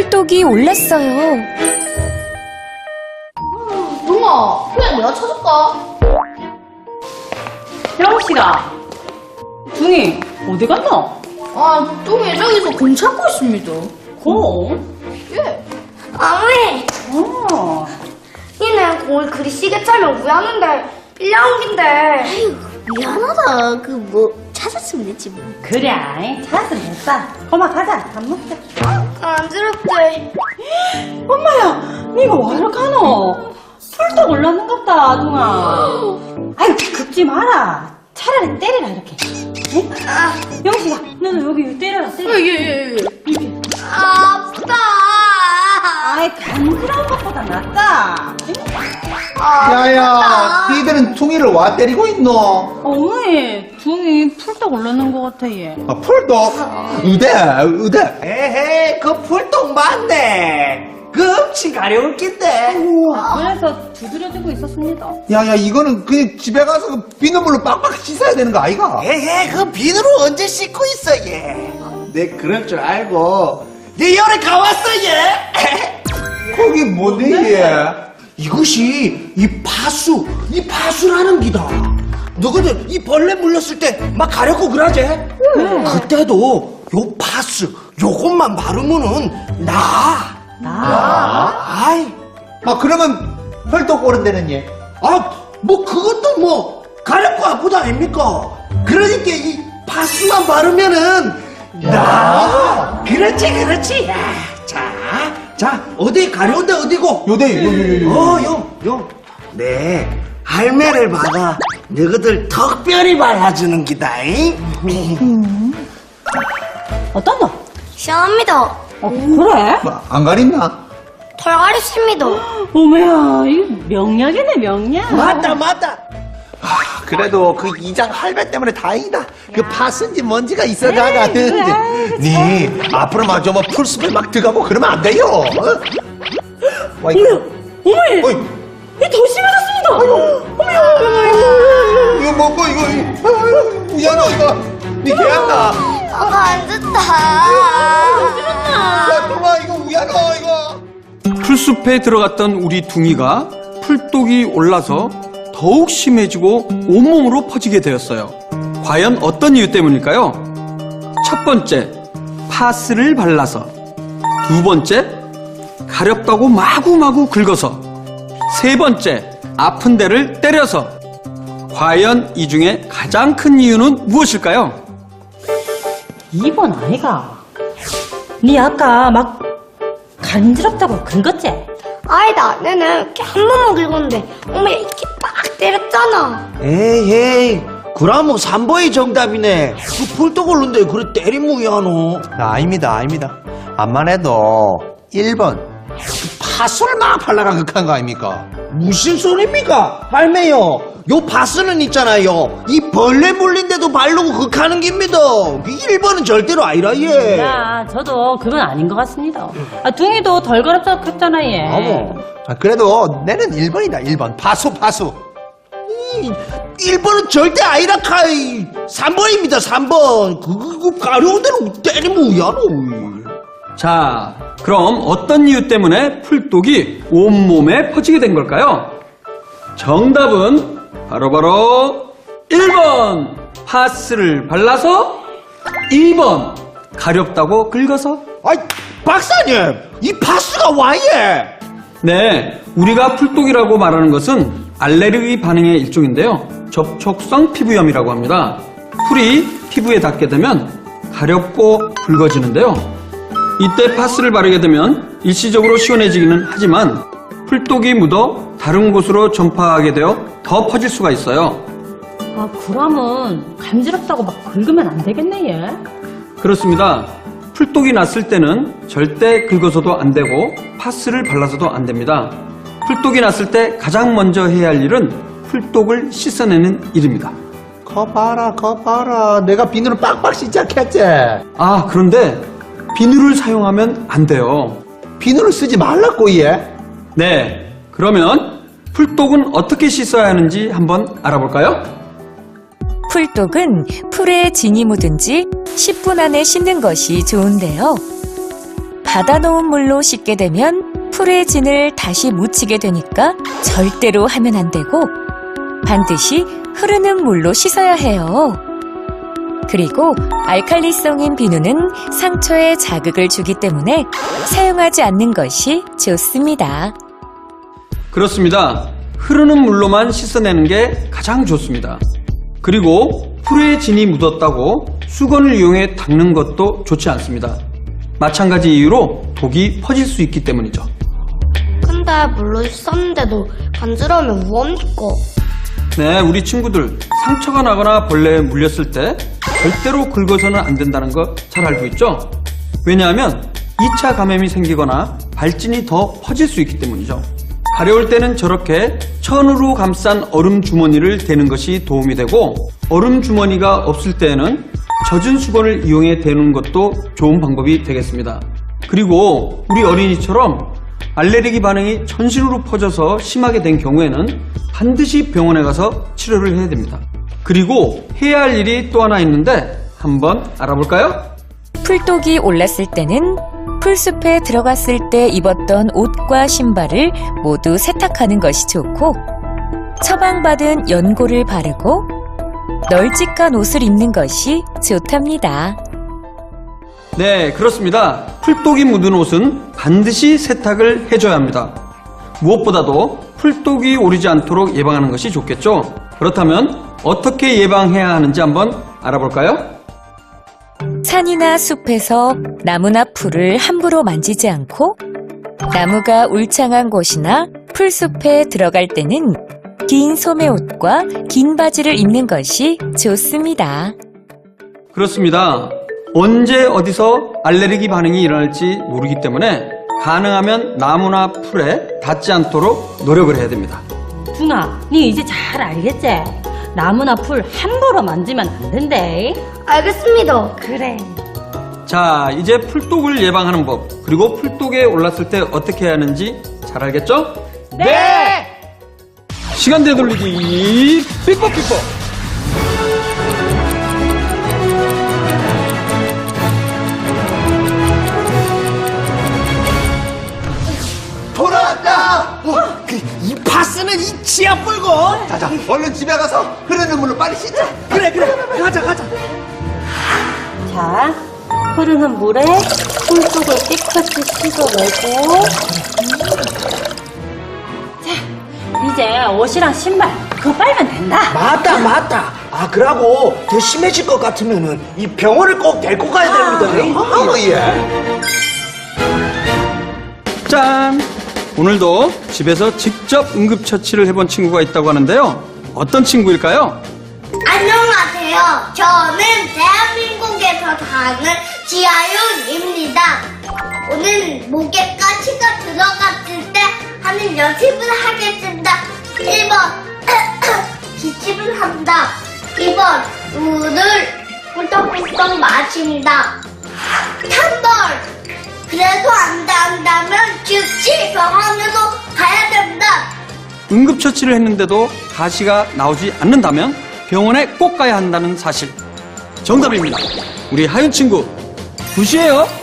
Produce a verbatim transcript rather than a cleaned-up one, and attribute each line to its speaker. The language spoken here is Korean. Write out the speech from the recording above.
Speaker 1: 풀독이 올랐어요.
Speaker 2: 둥아, 그냥 내가 찾을까?
Speaker 3: 형씨가 둥이 어디 갔나?
Speaker 2: 아, 뚱이 저기서 공 찾고 있습니다.
Speaker 3: 공?
Speaker 2: 예.
Speaker 4: 어머니,
Speaker 3: 어.
Speaker 4: 니는 공을 그리 시계 차면 우야는데 빌려온긴데.
Speaker 5: 아유, 미안하다. 그 뭐 찾았으면 됐지 뭐.
Speaker 3: 그래, 찾았으면 됐어. 엄마 가자, 밥 먹자.
Speaker 4: 간지럽대.
Speaker 3: 엄마야, 니가 와이러 가노? 풀떡 올랐는갑다, 둥아. 아유, 긁지 마라. 차라리 때리라, 이렇게. 응? 영식아, 너도 여기 때려라, 때려.
Speaker 2: 예, 예, 예.
Speaker 3: 이렇게.
Speaker 4: 아프다.
Speaker 3: 아이, 간지러운 것보다 낫다.
Speaker 6: 야야, 니들은 퉁이를 와 때리고 있노?
Speaker 3: 어머니, 둥이 풀떡 올랐는 것 같아, 얘.
Speaker 6: 아, 풀도? 의대, 의대.
Speaker 7: 에헤, 그 풀똥 맞네. 그 엄청 가려울 낀데.
Speaker 3: 그래서 두드려주고 있었습니다.
Speaker 6: 야야, 이거는 그냥 집에 가서 그 비눗물로 빡빡 씻어야 되는 거 아이가?
Speaker 7: 에헤, 그 비누로 언제 씻고 있어, 얘. 내 그럴 줄 알고. 내 열에 가왔어, 얘.
Speaker 6: 거기 뭔데 얘?
Speaker 7: 이것이 이 파수, 이 파수라는 기다. 너희들 이 벌레 물렸을 때 막 가렵고 그러지? 그때도 요 파수, 요것만 바르면은 나.
Speaker 3: 나?
Speaker 7: 아이,
Speaker 6: 아, 그러면 펄떡 오른 데는 얘?
Speaker 7: 아, 뭐 그것도 뭐 가렵고 아프다 아닙니까? 그러니까 이 파스만 바르면은 나. 그렇지, 그렇지. 야, 자, 자, 어디 가려운데 어디고?
Speaker 6: 요대, 요, 요, 요, 요.
Speaker 7: 어, 요, 요. 네, 할매를 받아 너희들 특별히 발라주는 기다잉.
Speaker 3: 어떤다?
Speaker 4: 시원합니다.
Speaker 3: 어, 그래?
Speaker 6: 뭐, 안 가린나?
Speaker 4: 털갈이 씁니다.
Speaker 3: 어머야, 이거 명약이네, 명약.
Speaker 7: 맞다, 맞다.
Speaker 6: 아, 그래도 그 이장 할배 때문에 다행이다. 그 파스인지 뭔지가 있어나가는. 니 앞으로 마저 뭐 풀숲에 막 들어가고 그러면 안 돼요. 어? 와, 이거.
Speaker 3: 어머니,
Speaker 6: 어이,
Speaker 3: 이게 더 심해졌습니다. 어머야,
Speaker 6: 이거 먹고 이거. 아유, 우연아 이거. 니 개한다.
Speaker 4: 어, 안 좋다.
Speaker 6: 야, 동아 이거 우연아 이거.
Speaker 8: 풀숲에 들어갔던 우리 둥이가 풀독이 올라서 더욱 심해지고 온몸으로 퍼지게 되었어요. 과연 어떤 이유 때문일까요? 첫 번째, 파스를 발라서. 두 번째, 가렵다고 마구마구 긁어서. 세 번째, 아픈 데를 때려서. 과연 이 중에 가장 큰 이유는 무엇일까요?
Speaker 3: 이 번 아이가. 니 아까 막 간지럽다고 긁었지?
Speaker 4: 아니다, 내는 이렇게 한 번만 긁었는데 어머니 이렇게 빡 때렸잖아.
Speaker 7: 에이, 에이. 그럼 삼 번이 정답이네. 그 풀떡 올른데 그래 때리면 야노.
Speaker 6: 아닙니다, 아닙니다. 암만 해도 일 번. 파수를 막 발라가 극한 거 아닙니까?
Speaker 7: 무슨 소리입니까? 할매요. 요 파스는 있잖아요. 이 벌레 물린데도 바르고 극하는 겁니다. 그 일 번은 절대로 아니라, 예.
Speaker 3: 야, 저도 그건 아닌 것 같습니다. 아, 둥이도 덜 가렵다 그랬잖아, 얘.
Speaker 7: 아뭐.
Speaker 6: 아, 그래도 내는 일 번이다, 일 번. 파수, 파수.
Speaker 7: 일 번은 절대 아니라 카이. 삼 번입니다, 삼 번. 그거, 그 가려운 데로 때리면 야노.
Speaker 8: 자, 그럼 어떤 이유 때문에 풀독이 온몸에 퍼지게 된 걸까요? 정답은 바로바로 일 번 파스를 발라서, 이 번 가렵다고 긁어서.
Speaker 7: 아이, 박사님. 이 파스가 와예.
Speaker 8: 네, 우리가 풀독이라고 말하는 것은 알레르기 반응의 일종인데요. 접촉성 피부염이라고 합니다. 풀이 피부에 닿게 되면 가렵고 붉어지는데요. 이때 파스를 바르게 되면 일시적으로 시원해지기는 하지만 풀독이 묻어 다른 곳으로 전파하게 되어 더 퍼질 수가 있어요.
Speaker 3: 아, 그러면 간지럽다고 막 긁으면 안 되겠네, 얘.
Speaker 8: 그렇습니다. 풀독이 났을 때는 절대 긁어서도 안 되고 파스를 발라서도 안 됩니다. 풀독이 났을 때 가장 먼저 해야 할 일은 풀독을 씻어내는 일입니다.
Speaker 6: 거 봐라, 거 봐라. 내가 비누를 빡빡 씻자했지.
Speaker 8: 아, 그런데 비누를 사용하면 안 돼요.
Speaker 6: 비누를 쓰지 말라고 얘.
Speaker 8: 네, 그러면 풀독은 어떻게 씻어야 하는지 한번 알아볼까요?
Speaker 1: 풀독은 풀에 진이 묻은 지 십 분 안에 씻는 것이 좋은데요. 받아놓은 물로 씻게 되면 풀의 진을 다시 묻히게 되니까 절대로 하면 안 되고 반드시 흐르는 물로 씻어야 해요. 그리고 알칼리성인 비누는 상처에 자극을 주기 때문에 사용하지 않는 것이 좋습니다.
Speaker 8: 그렇습니다. 흐르는 물로만 씻어내는 게 가장 좋습니다. 그리고 풀에 진이 묻었다고 수건을 이용해 닦는 것도 좋지 않습니다. 마찬가지 이유로 독이 퍼질 수 있기 때문이죠.
Speaker 4: 근데 물로 씻었는데도 간지러우면 뭐합니까?
Speaker 8: 네, 우리 친구들 상처가 나거나 벌레에 물렸을 때 절대로 긁어서는 안 된다는 거 잘 알고 있죠? 왜냐하면 이 차 감염이 생기거나 발진이 더 퍼질 수 있기 때문이죠. 가려울 때는 저렇게 천으로 감싼 얼음 주머니를 대는 것이 도움이 되고 얼음 주머니가 없을 때에는 젖은 수건을 이용해 대는 것도 좋은 방법이 되겠습니다. 그리고 우리 어린이처럼 알레르기 반응이 전신으로 퍼져서 심하게 된 경우에는 반드시 병원에 가서 치료를 해야 됩니다. 그리고 해야 할 일이 또 하나 있는데 한번 알아볼까요?
Speaker 1: 풀독이 올랐을 때는 풀숲에 들어갔을 때 입었던 옷과 신발을 모두 세탁하는 것이 좋고 처방받은 연고를 바르고 널찍한 옷을 입는 것이 좋답니다.
Speaker 8: 네, 그렇습니다. 풀독이 묻은 옷은 반드시 세탁을 해줘야 합니다. 무엇보다도 풀독이 오르지 않도록 예방하는 것이 좋겠죠? 그렇다면 어떻게 예방해야 하는지 한번 알아볼까요?
Speaker 1: 산이나 숲에서 나무나 풀을 함부로 만지지 않고 나무가 울창한 곳이나 풀숲에 들어갈 때는 긴 소매옷과 긴 바지를 입는 것이 좋습니다.
Speaker 8: 그렇습니다. 언제 어디서 알레르기 반응이 일어날지 모르기 때문에 가능하면 나무나 풀에 닿지 않도록 노력을 해야 됩니다.
Speaker 3: 둥아, 니 이제 잘 알겠지? 나무나 풀 함부로 만지면 안 된대.
Speaker 4: 알겠습니다.
Speaker 3: 그래.
Speaker 8: 자, 이제 풀독을 예방하는 법, 그리고 풀독에 올랐을 때 어떻게 해야 하는지 잘 알겠죠?
Speaker 3: 네!
Speaker 8: 시간 되돌리기 삐뽀 삐뽀.
Speaker 7: 돌아왔다. 어, 그, 이 파스는 이 치아 불고.
Speaker 6: 자자, 얼른 집에 가서 흐르는 물로 빨리 씻자.
Speaker 7: 그래 그래. 가자 가자.
Speaker 3: 자, 흐르는 물에 풀속을 깨끗이 씻어내고 자, 이제 옷이랑 신발 그거 빨면 된다.
Speaker 7: 맞다 맞다. 아 그러고 더 심해질 것 같으면은 이 병원을 꼭 데리고 가야 됩니다.
Speaker 6: 어머 예.
Speaker 8: 짠! 오늘도 집에서 직접 응급처치를 해본 친구가 있다고 하는데요. 어떤 친구일까요?
Speaker 5: 안녕하세요. 저는 대한민국에서 사는 지아윤입니다. 오늘 목에 가시가 들어갔을 때 하는 연습을 하겠습니다. 일 번 기침을 한다. 이 번 물을 꿀떡꿀떡 마신다. 삼 번 그래도 안 된다면 즉시 병원으로 가야 됩니다.
Speaker 8: 응급처치를 했는데도 가시가 나오지 않는다면 병원에 꼭 가야 한다는 사실. 정답입니다. 우리 하윤 친구, 굿이에요.